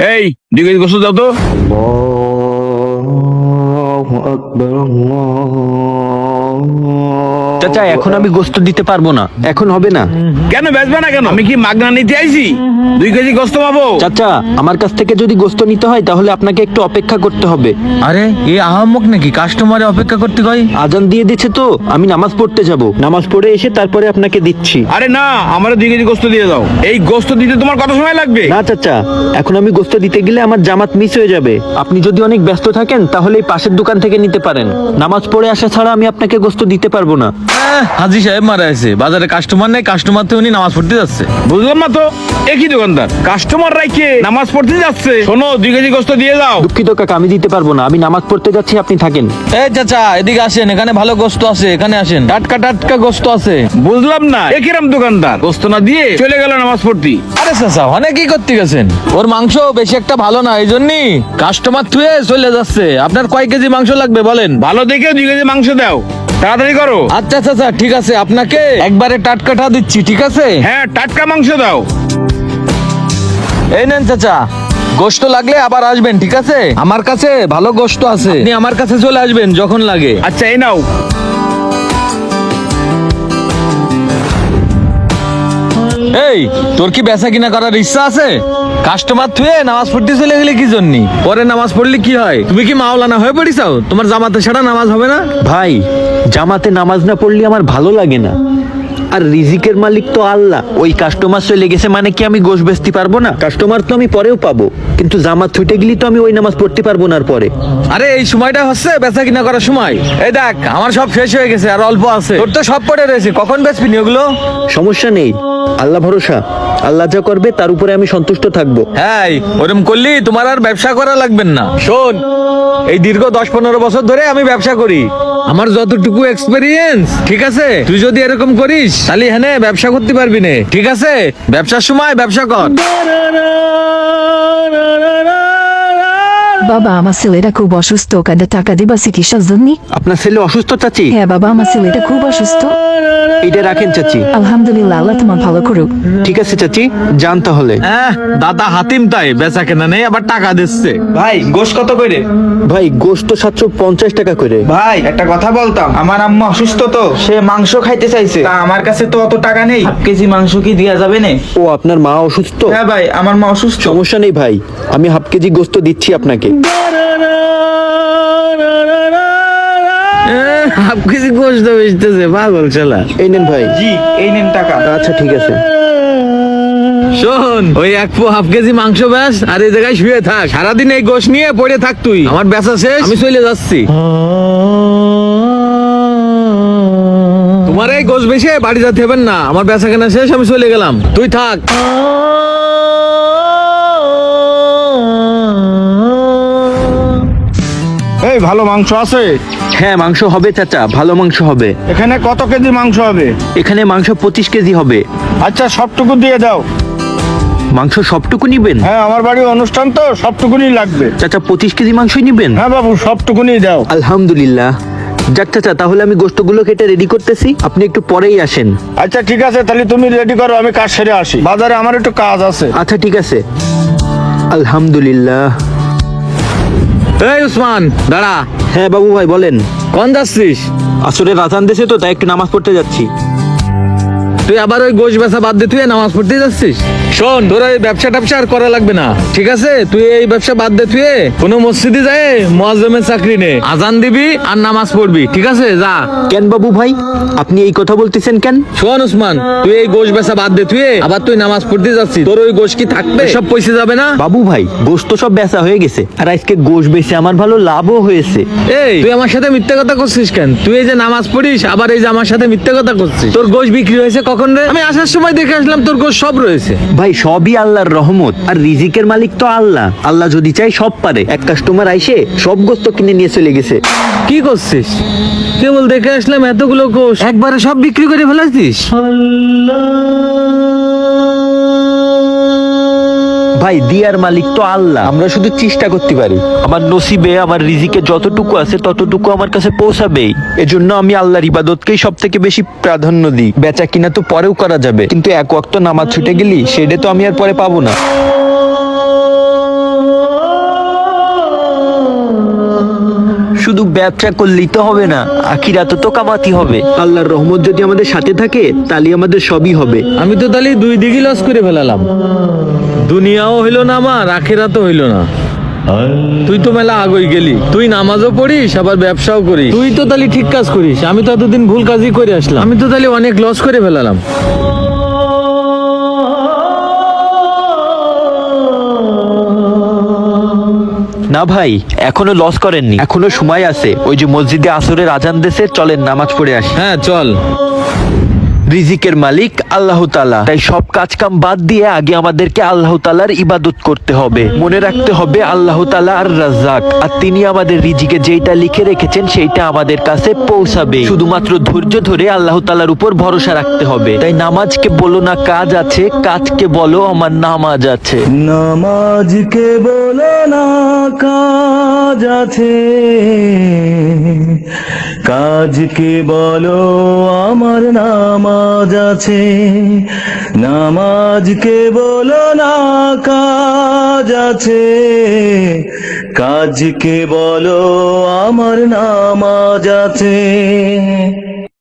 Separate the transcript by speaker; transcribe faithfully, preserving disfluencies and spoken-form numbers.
Speaker 1: এই দুই কেজি গোস্ত দাও তো।
Speaker 2: চাচা এখন আমি গোস্ত দিতে পারবো না, এখন হবে না।
Speaker 1: কেন বেচবে না কেন? আমি কি মাগনা নিতে আইছি? দুই কেজি গোস্ত পাবো?
Speaker 2: চাচা আমার কাছ থেকে যদি গোস্ত নিতে হয় তাহলে আপনাকে একটু অপেক্ষা করতে হবে।
Speaker 3: আরে এই আহাম্মক নাকি কাস্টমারে অপেক্ষা করতে কয়?
Speaker 2: আজান দিয়ে দিচ্ছে তো, আমি নামাজ পড়তে যাব, নামাজ পড়ে এসে তারপরে আপনাকে দিচ্ছি।
Speaker 1: আরে না, আমার দুই কেজি গোস্ত দিয়ে দাও। এই গোস্ত দিতে তোমার কত সময় লাগবে?
Speaker 2: না চাচা, এখন আমি গোস্ত দিতে গেলে আমার জামাত মিস হয়ে যাবে। আপনি যদি অনেক ব্যস্ত থাকেন তাহলে এই পাশের দোকান থেকে নিতে পারেন। নামাজ পড়ে আসা ছাড়া আমি আপনাকে গোস্ত দিতে পারবো না।
Speaker 3: আহ, হাজি সাহেব মারা আছে, বাজারে কাস্টমার নেই, কাস্টমার তো উনি নামাজ পড়তে যাচ্ছে।
Speaker 1: বুঝলাম না তো, একই দোকানদার কাস্টমার রাইকে নামাজ পড়তে যাচ্ছে। শোনো, দুই কেজি গোস্ত দিয়ে দাও।
Speaker 2: দুঃখিত কাকা, আমি দিতে পারবো না, আমি নামাজ পড়তে যাচ্ছি, আপনি থাকেন।
Speaker 3: এই চাচা এদিকে আসেন, এখানে ভালো গোস্ত আছে, এখানে আসেন, টাটকা টাটকা গোস্ত আছে।
Speaker 1: বুঝলাম না, একিরাম দোকানদার গোস্ত না দিয়ে চলে গেল নামাজ পড়তে।
Speaker 3: আরে চাচা অনেক কি করতে গেছেন, ওর মাংস বেশি একটা ভালো না, এই জন্যই কাস্টমার থুয়ে চলে যাচ্ছে। আপনার কয় কেজি মাংস লাগবে বলেন?
Speaker 1: ভালো দেখে দুই কেজি মাংস দাও, তাড়াতাড়ি করো।
Speaker 3: আচ্ছা চাচা ঠিক আছে, আপনাকে একবারে টাটকাটা দিচ্ছি, ঠিক আছে?
Speaker 1: হ্যাঁ, টাটকা মাংস দাও।
Speaker 3: এই নেন চাচা, গোশত লাগলে আবার আসবেন, ঠিক আছে? আমার কাছে ভালো গোশত আছে, আপনি আমার কাছে চলে আসবেন যখন লাগে।
Speaker 1: আচ্ছা, এই নাও।
Speaker 3: এই তোর কি বেচা কিনা করার ইচ্ছা আছে? কাস্টমার থুয়ে নামাজ পড়তে চলে গেলে কি জন্য? পরে নামাজ পড়লে কি হয়? তুমি কি মাওলানা হয়ে পড়িছাও? তোমার জামাতে ছাড়া নামাজ হবে না?
Speaker 2: ভাই, জামাতে নামাজ না পড়লে আমার ভালো লাগে না। আর রিজিকের মালিক তো আল্লাহ। ওই কাস্টমার চলে গেছে মানে কি আমি গোশ বেচতে পারবো না? কাস্টমার তো আমি পরেও পাবো, কিন্তু জামাত ছুটে গেলি তো আমি ওই নামাজ পড়তে পারবো না। আর পরে
Speaker 3: আরে এই সময়টা হচ্ছে বেচা কিনা করার সময়। এই দেখ আমার সব শেষ হয়ে গেছে, আর অল্প আছে, তোর তো সব পড়ে রয়েছে, কখন বেচবি নি ওগুলো?
Speaker 2: সমস্যা নেই, আল্লাহ ভরসা, আল্লাহ যা করবে তার উপরে আমি সন্তুষ্ট থাকবো।
Speaker 3: হ্যাঁ ওরম করলি তোমার আর ব্যবসা করা লাগবে না। শোন, এই দীর্ঘ দশ পনেরো বছর ধরে আমি ব্যবসা করি, আমার যতটুকু এক্সপেরিয়েন্স, ঠিক আছে? তুই যদি এরকম করিস তাহলে হ্যাঁ ব্যবসা করতে পারবি না, ঠিক আছে? ব্যবসার সময় ব্যবসা কর।
Speaker 4: বাবা আমার ছেলেটা খুব অসুস্থ, কাঁদে টাকা দিবা চিকিৎসার জন্য?
Speaker 2: আপনার ছেলে অসুস্থ চাচি?
Speaker 4: হ্যাঁ বাবা, আমার ছেলেটা খুব অসুস্থ।
Speaker 2: এটা রাখেন চাচি।
Speaker 4: আলহামদুলিল্লাহ, আল্লাহ তোমার ভালো করুক।
Speaker 2: ঠিক আছে চাচি, যান তাহলে।
Speaker 3: হ্যাঁ দাদা হাতিম তাই বেচা কেনা নেই, আবার টাকা দিচ্ছে।
Speaker 5: ভাই গোশ কত করে?
Speaker 2: ভাই গোশত সাতশো পঞ্চাশ টাকা করে।
Speaker 5: ভাই একটা কথা বলতাম, আমার আম্মা অসুস্থ তো, সে মাংস খাইতে চাইছে, তা আমার কাছে তো অত টাকা নেই, হাফ কেজি মাংস কি দেয়া যাবে না?
Speaker 2: ও আপনার মা অসুস্থ?
Speaker 5: হ্যাঁ ভাই, আমার মা অসুস্থ।
Speaker 2: সমস্যা নেই ভাই, আমি হাফ কেজি গোশত দিচ্ছি আপনাকে।
Speaker 3: হাফ কেজি গোশত বেচতেছে, পাগল শালা।
Speaker 2: এই নেন ভাই।
Speaker 5: জি, এই নেন টাকা।
Speaker 2: আচ্ছা ঠিক আছে।
Speaker 3: শোন, ওই এক পো হাফ কেজি মাংস ব্যাস, আর এই জায়গায় শুয়ে থাক, সারাদিন এই গোশ নিয়ে পড়ে থাক তুই। আমার বেচা শেষ, আমি চলে যাচ্ছি। তোমার এই গোশ বেশে বাড়ি যেতে হবে না, আমার বেচা কেনা শেষ, আমি চলে গেলাম, তুই থাক।
Speaker 1: এই ভালো মাংস আছে?
Speaker 2: হ্যাঁ মাংস হবে চাচা, ভালো মাংস হবে।
Speaker 1: এখানে কত কেজি মাংস হবে?
Speaker 2: এখানে মাংস পঁচিশ কেজি হবে।
Speaker 1: আচ্ছা, সবটুকু দিয়ে দাও।
Speaker 2: মাংস সবটুকু নিবেন?
Speaker 1: হ্যাঁ, আমার বাড়ির অনুষ্ঠান তো, সবটুকুনি লাগবে।
Speaker 2: চাচা পঁচিশ কেজি মাংসই নিবেন?
Speaker 1: হ্যাঁ বাবু, সবটুকুনি দাও।
Speaker 2: আলহামদুলিল্লাহ। যাক চাচা, তাহলে আমি গোশতগুলো কেটে রেডি করতেছি, আপনি একটু পরেই আসেন।
Speaker 1: আচ্ছা ঠিক আছে, তাহলে তুমি রেডি করো, আমি কাজ সেরে আসি, বাজারে আমার একটু কাজ আছে।
Speaker 2: আচ্ছা ঠিক আছে। আলহামদুলিল্লাহ।
Speaker 3: এই উসমান দাঁড়া।
Speaker 2: হ্যাঁ বাবু ভাই বলেন।
Speaker 3: কোন যাচ্ছিস?
Speaker 2: আসলে রাজান দেশে তো, তাই একটু নামাজ পড়তে যাচ্ছি।
Speaker 3: তুই আবার ওই গোশ বেচা বাদ দিয়ে তুই নামাজ পড়তে যাচ্ছিস? শোন, তোর এই ব্যবসা ট্যাবসা আর করা লাগবে না, ঠিক আছে? তুই এই ব্যবসা বাদ দিয়ে তুই কোনো মসজিদে যায় মুয়াজ্জিমের চাকরি নে, আজান দিবি আর নামাজ পড়বি, ঠিক আছে? যা।
Speaker 2: কেন বাবু ভাই, আপনি এই কথা বলতেছেন কেন?
Speaker 3: শোন উসমান, তুই এই গোশ বেচা বাদ দে তুই আবার তুই নামাজ পড়তে যাচ্ছিস, তোর ওই গোশ কি থাকবে? সব পয়সা যাবে না?
Speaker 2: বাবু ভাই, গোশত সব বেচা হয়ে গেছে, আর আজকে গোশ বেচে আমার ভালো লাভও হয়েছে।
Speaker 3: এই তুই আমার সাথে মিথ্যে কথা করছিস কেন? তুই এই যে নামাজ পড়িস, আবার এই যে আমার সাথে মিথ্যে কথা করছিস। তোর গোশ বিক্রি হয়েছে কখন রে? আমি আসার সময় দেখে আসলাম তোর গোশ সব রয়েছে।
Speaker 2: ভাই সবই আল্লাহর রহমত, আর রিজিকের মালিক তো আল্লাহ। আল্লাহ যদি চাই সব পারে। এক কাস্টমার আইসে সব গোশত কিনে নিয়ে চলে গেছে।
Speaker 3: কি করছিস? কেবল দেখে আসলাম এতগুলো গোশ একবারে সব বিক্রি করে ফেলাছিস?
Speaker 2: ভাই দিয়ার মালিক তো আল্লাহ, আমরা শুধু চেষ্টা করতে পারি। আমার নসিবে, আমার রিজিকে যতটুকু আছে ততটুকু আমার কাছে পৌঁছাবেই। এজন্য আমি আল্লাহর ইবাদতকেই সব থেকে বেশি প্রাধান্য দিই। বেচা কিনা তো পরেও করা যাবে, কিন্তু এক ওয়াক্ত নামাজ ছুটে গেলি সেটা তো আমি আর পরে পাবো না। ব্যবসা করলেই তো হবে না, আখিরাতে তো কামাতে হবে। আল্লাহর রহমত যদি আমাদের সাথে থাকে তাহলে আমাদের সবই হবে।
Speaker 3: আমি তো তাহলে দুই দিকে লস করে ফেলালাম, দুনিয়াও হইলো না আমার, আখিরাতও হইলো না। তুই তো মেলা আগই গেলি, তুই নামাজও পড়িস আবার ব্যবসাও করিস, তুই তো তাহলে ঠিক কাজ করিস। আমি তো এতদিন ভুল কাজই করে আসলাম, আমি তো তাহলে অনেক লস করে ফেলালাম।
Speaker 2: না ভাই, এখনো লস করেননি, এখনো সময় আছে। ওই যে মসজিদে আসরের আজান দেশে, চলেন নামাজ পড়ে আসি।
Speaker 3: হ্যাঁ চল।
Speaker 2: রিজিকের মালিক আল্লাহ তাআলা, তাই সব কাজ কাম বাদ দিয়ে আগে আমাদেরকে আল্লাহ তাআলার ইবাদত করতে হবে। মনে রাখতে হবে আল্লাহ তাআলা আর রাজ্জাক, আর তিনি আমাদের রিজিকে যেটা লিখে রেখেছেন সেইটা আমাদের কাছে পৌঁছাবে। শুধুমাত্র ধৈর্য ধরে আল্লাহ তাআলার উপর ভরসা রাখতে হবে। তাই নামাজকে বলো না কাজ আছে, কাজকে বলো আমার নামাজ আছে।
Speaker 6: নামাজকে বলো না কাজ আছে, কাজকে বলো আমার নামাজ আছে। নামাজকে বলো না কাজ আছে, কাজকে বলো আমার নামাজ আছে।